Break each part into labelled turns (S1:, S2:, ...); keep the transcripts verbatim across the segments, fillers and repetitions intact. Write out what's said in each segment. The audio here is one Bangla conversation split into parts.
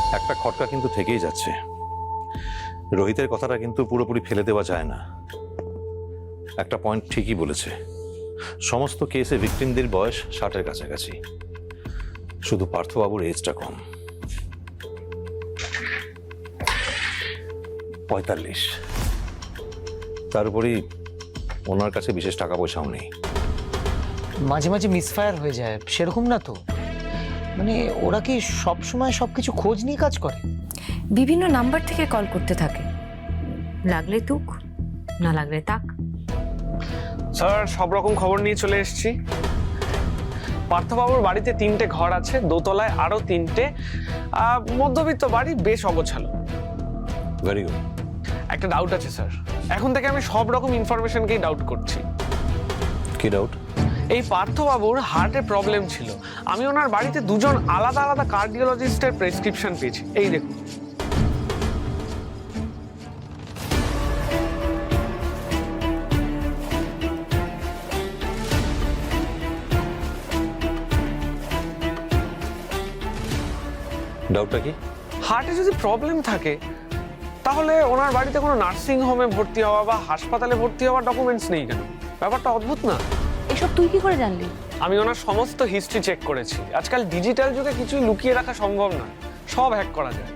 S1: একটা খটকা কিন্তু থেকেই যাচ্ছে। রোহিতের কথাটা কিন্তু পুরোপুরি ফেলে দেওয়া যায় না। একটা পয়েন্ট ঠিকই বলেছে, সমস্ত কেসে ভিকটিমদের বয়স ষাটের কাছাকাছি, শুধু পার্থবাবুর এজটা কম, পঁয়তাল্লিশ। তার উপরই ওনার কাছে বিশেষ টাকা পয়সাও নেই।
S2: মাঝে মাঝে মিসফায়ার হয়ে যায়, সেরকম না তো? মানে ওরা কি সব সময় সবকিছু খোঁজ নিয়ে কাজ করে?
S3: বিভিন্ন নাম্বার থেকে কল করতে থাকে, লাগলে তুক, না লাগলে তাক।
S4: স্যার সব রকম খবর নিয়ে চলে এসেছি। পার্থবাবুর বাড়িতে তিনটে ঘর আছে, দোতলায় আরো তিনটে, মধ্যবিত্ত বাড়ি, বেশ অগোছালো।
S1: Very good.
S4: একটা ডাউট আছে স্যার, এখন থেকে আমি সব রকম ইনফরমেশনকেই ডাউট করছি।
S1: কি ডাউট?
S4: এই পার্থবাবুর হার্টের প্রবলেম ছিল, আমি ওনার বাড়িতে দুজন আলাদা আলাদা কার্ডিওলজিস্টের প্রেসক্রিপশন পেয়েছি, এই দেখুন।
S1: ডাউটটা কি?
S4: হার্টে যদি প্রবলেম থাকে তাহলে ওনার বাড়িতে কোনো নার্সিং হোমে ভর্তি হওয়া বা হাসপাতালে ভর্তি হওয়ার ডকুমেন্টস নেই কেন? ব্যাপারটা অদ্ভুত না?
S3: এসব তুই কি করে জানলি?
S4: আমি ওনার সমস্ত হিস্ট্রি চেক করেছি। আজকাল ডিজিটাল যুগে কিছুই লুকিয়ে রাখা সম্ভব না, সব হ্যাক করা যায়।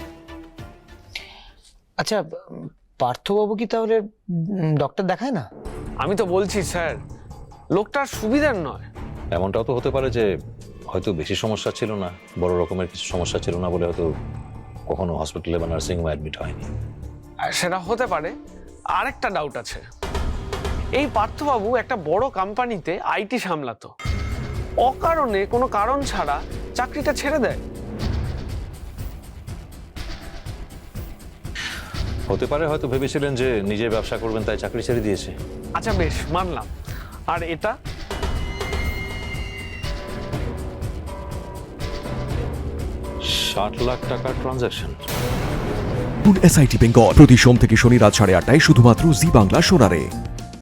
S2: আচ্ছা, পার্থবাবু কি তাহলে ডক্টর দেখায় না?
S4: আমি তো বলছি স্যার, লোকটার সুবিধার নয়।
S1: এমনটাও তো হতে পারে যে হয়তো বেশি সমস্যা ছিল না, বড় রকমের কিছু সমস্যা ছিল না বলে হয়তো কখনো হসপিটালে বা নার্সিং হোমে অ্যাডমিট হয়নি।
S4: আর সেটা হতে পারে। আরেকটা ডাউট আছে, এই পার্থবাবু একটা বড় কোম্পানিতে আইটি সামলাতো, অকারণে কোনো কারণ ছাড়া চাকরিটা ছেড়ে দেয়।
S1: হতে পারে হয়তো ভেবেছিলেন যে নিজে ব্যবসা করবেন, তাই চাকরি ছেড়ে দিয়েছে।
S4: আচ্ছা বেশ, মানলাম। আর এটা
S1: ষাট লাখ টাকার ট্রানজাকশন।
S5: এসআইটি বেঙ্গল প্রতি সোম থেকে শনি রাত সাড়ে আটটায় শুধুমাত্র জি বাংলা সোনারে।